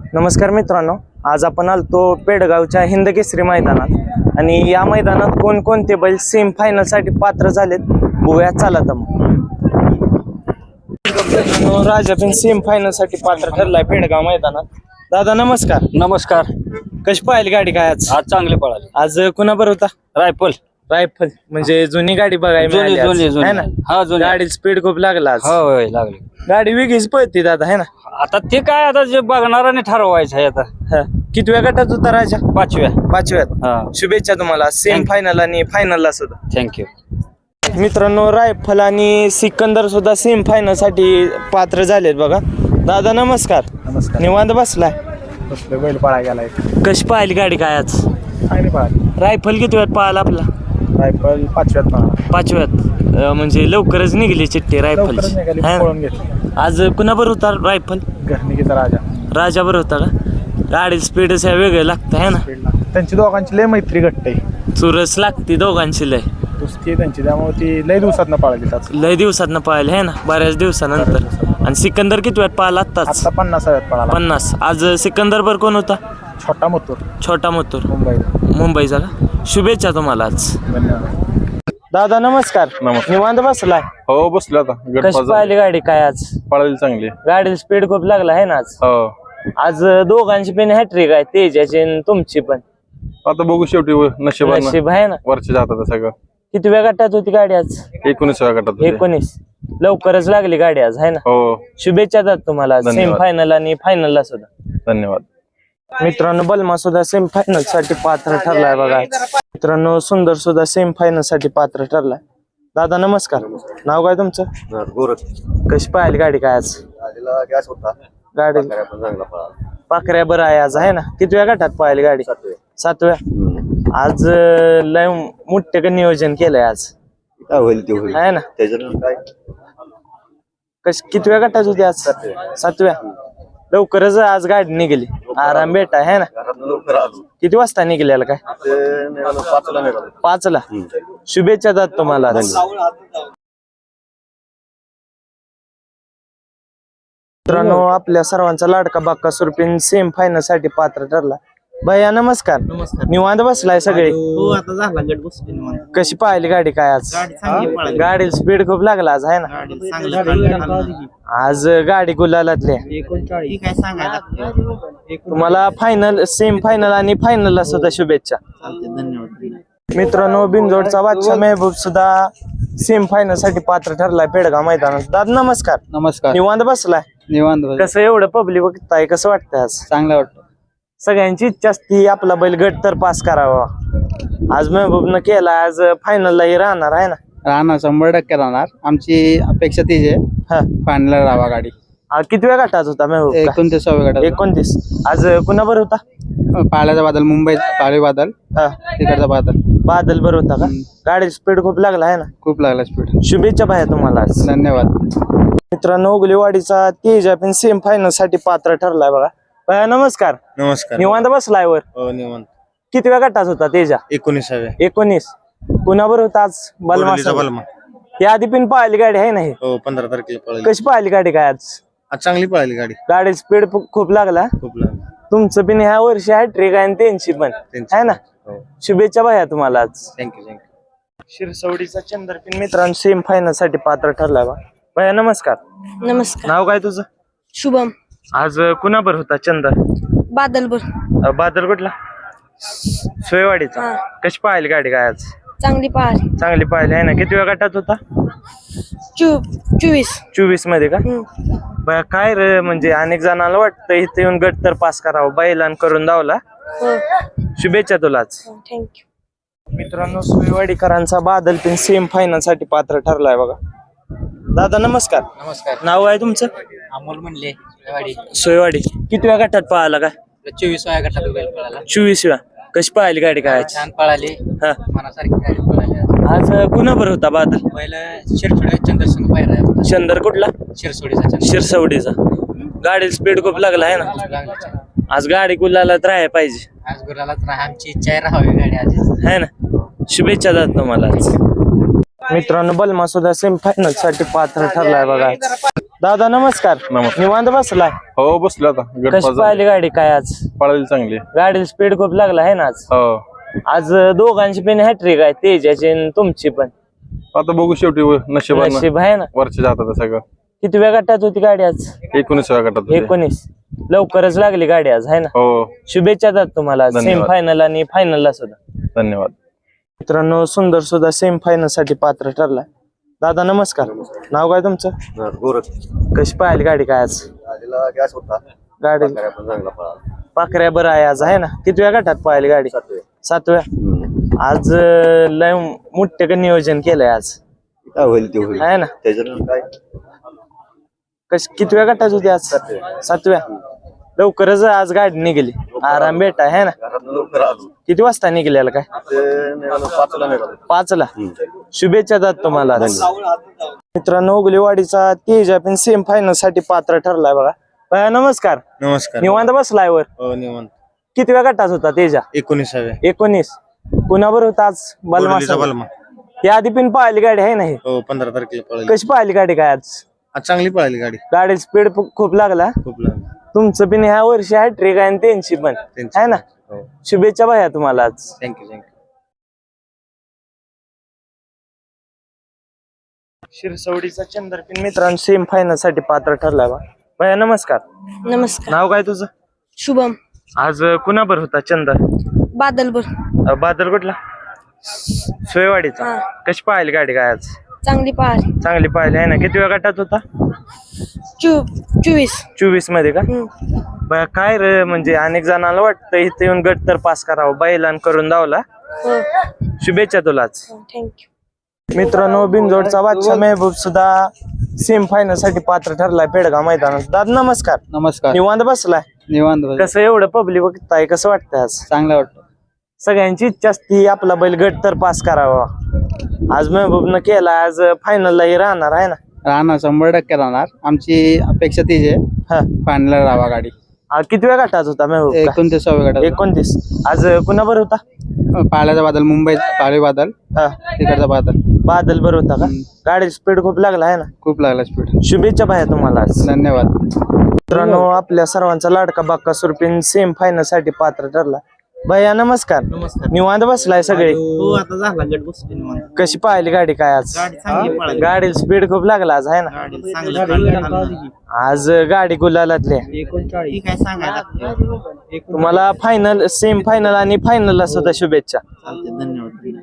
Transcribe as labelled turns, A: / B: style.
A: नमस्कार मित्रांनो, आज आपण आलतो पेडगावच्या हिंदकेसरी मैदानात आणि या मैदानात कोणकोणते बैल सेमी फायनल साठी पात्र झालेत बघूया. चला तर मग. राजा पण सेमी फायनल साठी पात्र ठरलाय पेडगाव मैदानात. दादा नमस्कार.
B: नमस्कार.
A: कशी पाहिली गाडी काय आज?
B: आज चांगले पळाले.
A: आज कुणाबर होता?
B: रायफल
A: म्हणजे जुनी गाडी बघायला मिळाली आज, है ना?
B: हा जुनी
A: गाडी स्पीड खूप लागला आज.
B: होय लागले.
A: गाडी वेगळीच पळते दादा, है ना?
B: आता ते काय आता जे बघणाराने ठरवायचं आहे आता.
A: हा. कितव्या गटात होता राजा? पाचव्यात.
B: हा
A: शुभेच्छा तुम्हाला सेमी फायनल आणि फायनलला सुद्धा.
B: थँक्यू.
A: मित्रांनो, रायफल आणि सिकंदर सुद्धा सेमी फायनल साठी पात्र झालेत बघा. दादा नमस्कार.
C: नमस्कार.
A: निवांत बसलाय?
C: बैल पळा गेलाय.
A: कशी पाहिली गाडी काय आज?
C: चांगली पळाली.
A: रायफल किती वेळात पाहिला आपला?
C: रायफल पाचव्यात
A: म्हणजे लवकरच निघली चिठ्ठी रायफलची, है ना?
C: पळून घेतली.
A: आज कुणाबर होता रायफल?
C: घरणिकीचा
A: राजा बरोबर होता का? गाडी स्पीड वेगळं लागतं, है ना?
C: त्यांची दोघांची लय मैत्री घट्ट आहे.
A: चुरस लागते दोघांची लय.
C: कुस्ती त्यांची, त्यामुळे ती लय दिवसात पळाली.
A: लय दिवसात पाहिलं, है ना? बऱ्याच दिवसानंतर. आणि सिकंदर किती वेळात पाहिला आत्ताच?
C: आता 50व्यात पळाला.
A: 50. आज सिकंदर बर कोण होता?
C: छोटा मथुर
A: मुंबईचा का? शुभेच्छा तुम्हाला आज.
C: धन्यवाद.
A: दादा नमस्कार. निवांत बसलाय?
D: हो बसलो आता.
A: कशी पाहिली गाडी काय आज?
D: पळाली चांगली.
A: गाडी स्पीड खूप लागला आहे ना आज?
D: हो.
A: आज दोघांची पण हॅट्रिक आहे, तेजाची आणि तुमची पण.
D: आता बघू शेवटी
A: नशीब आहे ना?
D: वरच्या जातात सगळं.
A: किती वेळ गटात होती गाडी आज?
D: 19व्या गटात होती.
A: 19. लवकरच लागली गाडी आज, है ना?
D: हो.
A: शुभेच्छा दादा तुम्हाला सेमी फायनल आणि फायनलला सुद्धा.
D: धन्यवाद.
A: मित्रांनो, बलमा सुद्धा सेमी फायनल साठी पात्र ठरलाय बघा. मित्रांनो, सुंदर सुद्धा सेमी फायनल साठी पात्र ठरलाय. दादा नमस्कार. नाव काय तुमचं? कशी पाहिली गाडी काय आज? गाडी पाखऱ्या बरं आहे आज, आहे ना? कितव्या गटात पाहिली गाडी? 7व्या. आज लय मोठे नियोजन केलंय आज, आहे ना? कितव्या गटात होती आज? 7व्या. लवकरच आज गाडी निघाली, आराम भेटा, है ना? किती वाजता निघालेला काय? 5ला. शुभेच्छा दादा तुम्हाला. मित्रांनो, आपल्या सर्वांचा लाडका बाक्का सुरपिन सेमी फायनल साठी पात्र ठरला. भैया नमस्कार. निवांत बसलाय सगळे? कशी पाहिली गाडी काय आज? गाडी स्पीड खूप लागला आज, आहे ना? आज गाडी गुलालातली. तुम्हाला फायनल, सेमी फायनल आणि फायनलला सुद्धा शुभेच्छा. मित्रांनो, बिनजोडचा बादशाह मेहबूब सुद्धा सेमी फायनल साठी पात्र ठरलाय पेडगाव मैदानात. दादा नमस्कार.
B: नमस्कार.
A: निवांत बसलाय?
B: निवांत.
A: कसं एवढं पब्लिक बघताय, कसं वाटतंय आज?
B: चांगलं वाटतं.
A: सगळ्यांची इच्छा असती आपला बैल गट तर पास करावा. आज मेहबूबनं केला, आज फायनललाही राहणार, आहे ना?
B: राहणार 100% राहणार. आमची अपेक्षा तीच आहे, फायनल राहावा गाडी.
A: कितव्या गटात होता मेहबूब?
B: 29व्या गटात.
A: 29. आज कुणाबर होता?
B: पाल्याचा बादल, मुंबई पाळी बादल. तिकडचा
A: बादल बर होता का? गाडी स्पीड खूप लागला, आहे ना?
B: खूप लागला स्पीड.
A: शुभेच्छा भाया तुम्हाला आज.
B: धन्यवाद.
A: मित्रांनो, उगलेवाडीचा तेजा पण सेमी फायनल साठी पात्र ठरलाय बघा. भाया नमस्कार. निवांत बसलाय वर?
D: निवांत.
A: कितव्या गटात होता तेजा?
D: 19व्या.
A: 19. कुणाबर होता आज? बलमा. या आधी पण पाहिली गाडी आहे ना?
D: हो, 15 तारखेला पळाली.
A: कशी पाहिली गाडी काय आज?
D: आज चांगली पळाली गाडी.
A: गाडी स्पीड खूप लागला. तुमचं पण ह्या वर्षी हॅट्रिक आहे आणि त्यांची पण, आहे ना? शुभेच्छा भाया तुम्हाला आज.
D: थँक्यू.
A: शिरसवडीचा चंद्रपिन मित्रांनो सेमी फायनल साठी पात्र ठरलाय बा. भाया नमस्कार.
E: नमस्कार.
A: नाव काय तुझं?
E: शुभम.
A: आज कुणाबर होता? चंद्र. बादल कुठला? सोयवाडीचा. कशी पाहिली गाडी काय आज?
E: चांगली
A: पाहिली, आहे ना? किती वेळ गटात होता? 24 मध्ये का? बया काय रे, म्हणजे अनेक जणांना वाटतं इथे येऊन गट तर पास करावं, बैलान करून धावला. शुभेच्छा तुला आज.
E: थँक्यू.
A: मित्रांनो, सोयवाडीकरांचा बादल पण सेमी फायनल साठी पात्र ठरलाय बघा. दादा नमस्कार. नाव आहे तुमचं?
B: अमोल म्हणले
A: सोयवाडी. कितव्या गटात पळाला काय?
B: 24व्या गटात पळाला.
A: 24व्या. कशी पाहिली गाडी काय?
B: छान पळाली.
A: हा.
B: मनासारखी गाडी पळाली.
A: आज कुणाबर होता बादल?
B: पहिलं शिरसोडी चंद्रसंग पाहिला.
A: चंदर कुठला? शिरसवडीचा. गाडी स्पीड खूप लागला, आहे ना? आज गाडी गुलालात राहायला पाहिजे.
B: आज गुलालात राहा, आमची इच्छा आहे राहावी गाडी आज,
A: आहे ना? शुभेच्छा दादा तुम्हाला आज. मित्रांनो, बलमा सुद्धा सेमी फायनल साठी पात्र ठरलाय बघा. दादा नमस्कार.
D: नमस्कार.
A: निवांत बसलाय.
D: हो बसलो आता
A: कशी पाहिली गाडी काय आज?
D: पळाली चांगली.
A: गाडीला स्पीड खूप लागला आहे ना आज.
D: हो
A: आज दोघांची पण हॅट्रिक आहे, तेजाची आणि तुमची पण.
D: आता बघू शेवटी नशिबानं
A: नशीब आहे ना.
D: वरच्या जातात सगळं.
A: किती वेळ गटात होती गाडी आज?
D: 19व्या गटात होते.
A: 19. लवकरच लागली गाडी आज आहे ना.
D: हो
A: शुभेच्छा देतात तुम्हाला सेमी
D: धन्यवाद.
A: फायनल आणि फायनलला सुद्धा.
D: धन्यवाद.
A: मित्रांनो सुंदर सुद्धा सेमी फायनल साठी पात्र ठरलाय. दादा नमस्कार. नाव काय तुमचं?
D: गोरख.
A: कशी पाहिली गाडी काय आज?
D: गॅस होता.
A: गाडी पाकऱ्या बरं आहे आज आहे ना. किती वेळ गटात पाहिली गाडी? 7व्या. आज लय मोठे नियोजन केलंय आज
D: काय होईल ते होईल
A: आहे ना.
D: त्याच्यानं काय
A: किती वेळ गटात होती आज? 7व्या. लवकरच आज गाडी निघाली. आराम भेटा आहे ना. किती वाजता निघालेला काय? 5ला. शुभेच्छा देतात तुम्हाला. मित्रांनो उगलेवाडीचा तेजा पण सेम फायनल साठी पात्र ठरलाय बघा. भैया नमस्कार.
D: नमस्कार.
A: निवांत बसलाय वर.
D: हो निवांत.
A: किती वेळ गटात होता तेजा?
D: 19व्या.
A: 19. कुणाबर होता आज? बलमा.
D: बलमा.
A: ती आधी पण पाहिली गाडी आहे ना ही.
D: हो 15 तारखेला पळाली.
A: कशी पाहिली गाडी काय आज?
D: आज चांगली पळाली गाडी.
A: गाडी स्पीड खूप लागला.
D: खूप लागली.
A: तुमचं पण ह्या वर्षी हॅट्रिक आहे आणि त्यांची पण आहे ना.
D: हो
A: शुभेच्छा भैया तुम्हाला आज.
D: थँक्यू.
A: शिरसवडीचा चंद्रपिन मित्रांनो सेम फायनल साठी पात्र ठरलाय बा. भैया नमस्कार.
E: नमस्कार.
A: नाव काय तुझं?
E: शुभम.
A: आज कुणाबर होता चंद्र?
E: बादलपूर.
A: बादल कुठला? सोयवाडीचा.
E: हा.
A: कशी पाहिली गाडी काय आज?
E: चांगली पहारी.
A: चांगली पाहिली आहे ना. किती वेळ गटात होता?
E: 24.
A: 24 मध्ये का? बया काय रे म्हणजे अनेक जणांना वाटतं इथे येऊन गट तर पास करावं, बैलान करून दावला.
E: हो.
A: शुभेच्छा तुलाच.
E: थँक्यू.
A: मित्रांनो बिनजोडचा बादशाह मेहबूब सुद्धा सेम फायनल साठी पात्र ठरलाय पेडगाव मैदानात. दादा नमस्कार.
B: नमस्कार.
A: निवांत बसलाय.
B: निवांत बस.
A: कसं एवढं पब्लिक बघताय, कसं वाटतंय आज?
B: चांगलं वाटतं.
A: सगळ्यांची इच्छा असती आपला बैल गट तर पास करावा. आज मेहबूबनं केला. आज फायनललाही राहणार आहे ना.
B: राहणार 100% राहणार. आमची अपेक्षा तीच आहे
A: हा.
B: फायनलला राहावा गाडी.
A: किती वेळ गटात होता मेहबूब?
B: 29व्या गटात.
A: 29. आज कुणाबर होता?
B: पाल्याचा बादल, मुंबई पाळी बादल,
A: हा.
B: तिकडचा बादल.
A: बादल बर होता का? गाडी स्पीड खूप लागला आहे ना.
B: खूप लागला स्पीड.
A: शुभेच्छा भाया तुम्हाला आज.
B: धन्यवाद.
A: मित्रांनो आपल्या सर्वांचा लाडका बाक्का सुरपीन सेम फायनल साठी पात्र ठरला. भैया नमस्कार. निवांत बसलाय सगळे?
F: हो आता झाला गट बसले निवांत.
A: कशी पाहिली गाडी काय आज?
F: चांगली पळाली.
A: गाडी स्पीड खूप लागला आज आहे ना.
F: गाडी चांगली पळाली.
A: आज गाडी गुलालातली.
F: ती काय सांगायला
A: तुम्हाला फायनल सेम फायनल आणि फायनलला सुद्धा शुभेच्छा.
F: चालते. धन्यवाद.